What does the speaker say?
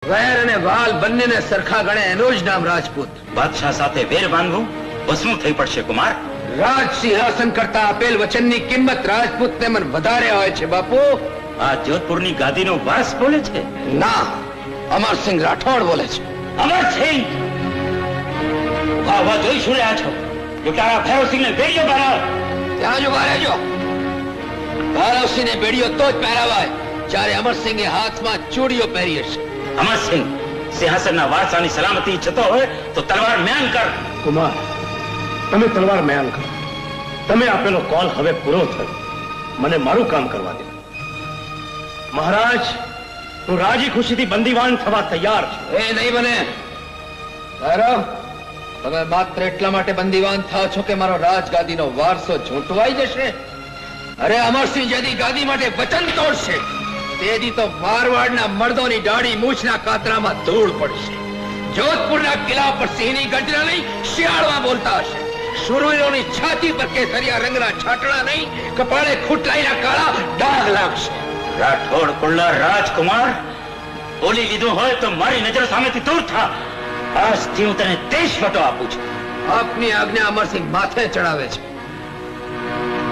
વેર અને વાલ બંનેને સરખા ગણે એનું જ નામ રાજપૂત. બાદશાહ સાથે વેર બાંધવું વસવું થઈ પડશે કુમાર. રાજ સિંહાસન કરતા આપેલ વચનની કિંમત રાજપૂતને મન વધારે હોય છે બાપુ. આ જોધપુરની ગાદીનો વારસ બોલે છે? ના, અમરસિંહ રાઠોડ બોલે છે. અમરસિંહ! વાહ જોઈ શું રહ્યા છો? લૂંટારા ભૈરવસિંહને બેડીઓ પહેરાવ. ત્યાં જ ઉભા રહેજો. ભૈરવસિંહને બેડીઓ તો જ પહેરાવાય જ્યારે અમરસિંહે હાથમાં ચૂડીઓ પહેરી હશે. અમરસિંહ, સિંહાસનના વારસાની સલામતી ઈચ્છતો હોય તો તલવાર મ્યાન કર. કુમાર, તમે તલવાર મ્યાન કરો. તમે આપેલો કોલ હવે પૂરો થયો. મને મારું કામ કરવા દે. મહારાજ, હું રાજી ખુશીથી બંદીવાન થવા તૈયાર છું. એ નહીં બને. ભૈરવ, તમે માત્ર એટલા માટે બંદીવાન થાવ છો કે મારો રાજગાદીનો વારસો ઝૂંટવાઈ જશે. અરે અમરસિંહ જેદી ગાદી માટે વચન તોડશે તેદી તો મારવાડના મર્દોની દાઢી મૂછના કાતરામાં ધૂળ પડશે. જોધપુરના કિલ્લા પર સિંહની ગર્જના નહીં, શિયાળમાં બોલતા હશે. શુરવીરોની છાતી પર કેસરિયા રંગના છાટણા નહીં, કપાળે ખૂટલાઈના કાળા ડાઘ લાગશે. રાઠોડ કુળના રાજકુમાર, બોલી લીધું હોય તો મારી નજર સામેથી દૂર થા. આજથી હું તને દેશવટો આપું છું. આપની આજ્ઞા અમરસિંહ માથે ચડાવે છે.